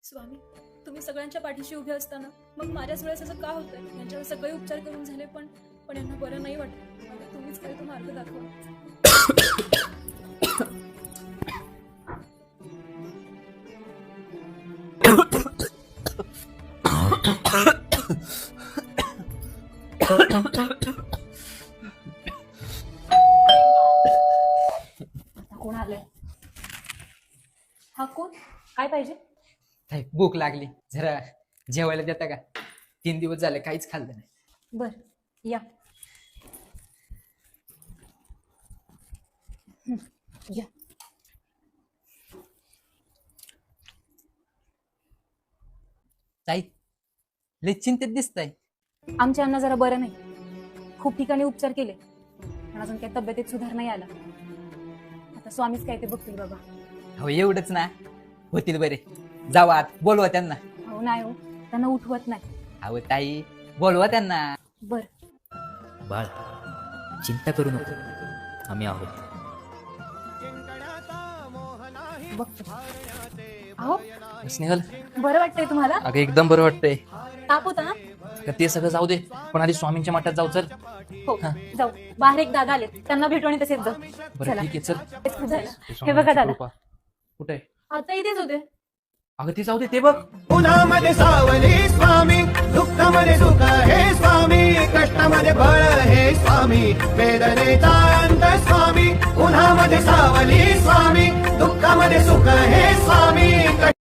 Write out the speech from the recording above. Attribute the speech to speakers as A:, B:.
A: स्वामी, तुम्ही सगळ्यांच्या पाठीशी उभे असताना मग माझ्याच वेळेस असं का होतंय? यांच्यावर सगळे उपचार करून झाले, पण यांना बरं नाही वाटत. मला तुम्हीच काही तो मार्ग दाखवा. कोण आलंय? हा कोण? काय पाहिजे?
B: भूक लागली, जरा जेवायला देता का? 3 दिवस झाले काहीच खाल्लं नाही.
A: बर, या. या.
B: ताई, लय चिंतेत दिसताय.
A: आमच्या अण्णा जरा बरं नाही. खूप ठिकाणी उपचार केले, पण अजून काही तब्येतीत सुधार नाही आला. आता स्वामीच काय ते बघतील बाबा.
B: हो, एवढंच ना? होतील बरे. जावा आत, बोलवा त्यांना.
A: हो नाही हो, त्यांना उठवत नाही.
B: अहो ताई, बोलवा त्यांना.
A: बर.
C: बाळ, चिंता करू नको, आम्ही आहोत.
A: बघतो. अहो,
C: स्नेहल,
A: बरं वाटतंय तुम्हाला?
C: अगं एकदम बरं वाटतंय.
A: ताप होता ना?
C: तर ते सगळं जाऊ दे, पण आधी स्वामींच्या मठात जाऊ. चल.
A: हो, जाऊ. बाहेर एक दादा आले, त्यांना भेटू आणि तसेच जाऊ.
C: बरं
A: चला.
C: ठीक आहे, चल.
A: तेच खूप झालं. हे बघा दादा,
C: कुठे आहे?
A: आता इथेच होते.
C: अगं ते जाऊ दे, ते बघ.
D: उन्हामध्ये सावली स्वामी, दुःखामध्ये सुख हे स्वामी, कष्टामध्ये बळ हे स्वामी, वेदनेचा अंत स्वामी. उन्हामध्ये सावली स्वामी, दुःखामध्ये सुख हे स्वामी.